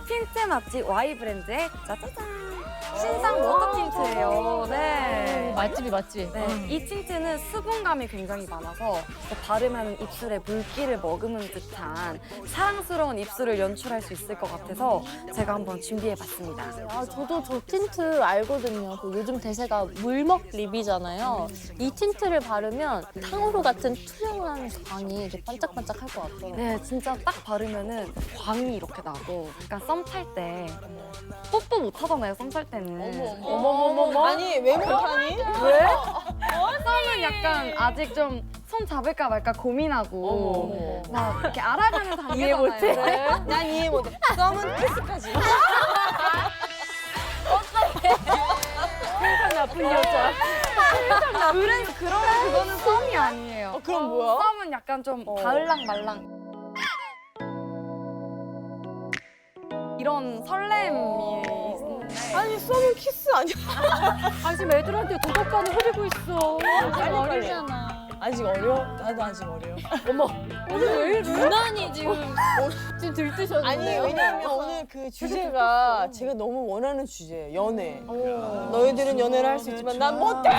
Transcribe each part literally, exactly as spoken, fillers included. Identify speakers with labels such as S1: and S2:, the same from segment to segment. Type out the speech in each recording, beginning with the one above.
S1: 틴트 맛집 Y 브랜드의 짜자잔 신상 워터 틴트예요. 네.
S2: 맛집이 맛집.
S1: 네, 이 틴트는 수분감이 굉장히 많아서 바르면 입술에 물기를 머금은 듯한 사랑스러운 입술을 연출할 수 있을 것 같아서 제가 한번 준비해봤습니다.
S3: 아, 저도 저 틴트 알거든요. 그 요즘 대세가 물먹 립이잖아요. 이 틴트를 바르면 탕후루 같은 투명한 광이 이렇게 반짝반짝 할 것 같아요.
S1: 네, 진짜 딱 바르면은 광이 이렇게 나고 약간 썸 탈 때 뽀뽀 못 하잖아요, 썸 탈 때는.
S3: 어머머머머.
S4: 아니 왜 못하니?
S1: 왜? 썸은 약간 아직 좀 손 잡을까 말까 고민하고 막 이렇게 알아가는 단계잖아요.
S3: 이해 못해.
S1: 네.
S4: 난 이해 못해. 썸은 키스까지.
S3: 나쁜 여자.
S1: 그래, 그런 그거는 썸이 아니에요.
S4: 어, 그럼 뭐야?
S1: 썸은 약간 좀 가을랑 말랑 이런 설렘이 있는데
S4: 아니 썸은 키스 아니야?
S2: 아, 지금 애들한테 도덕관을 흐리고 있어.
S4: 빨리,
S2: 어리잖아.
S4: 아직 어려? 나도 아직 어려.
S3: 유난히 지금 지금 들뜨셨는데요?
S4: 아니 왜냐면 오늘 그 주제가 제가 너무 원하는 주제예요. 연애. 너희들은 연애를 할 수 있지만 난 못해.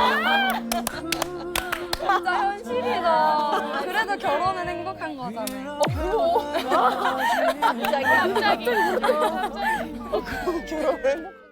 S1: 진짜 현실이다. 그래도 결혼은 행복한 거잖아요.
S3: 갑자기 갑자기.
S4: 결혼을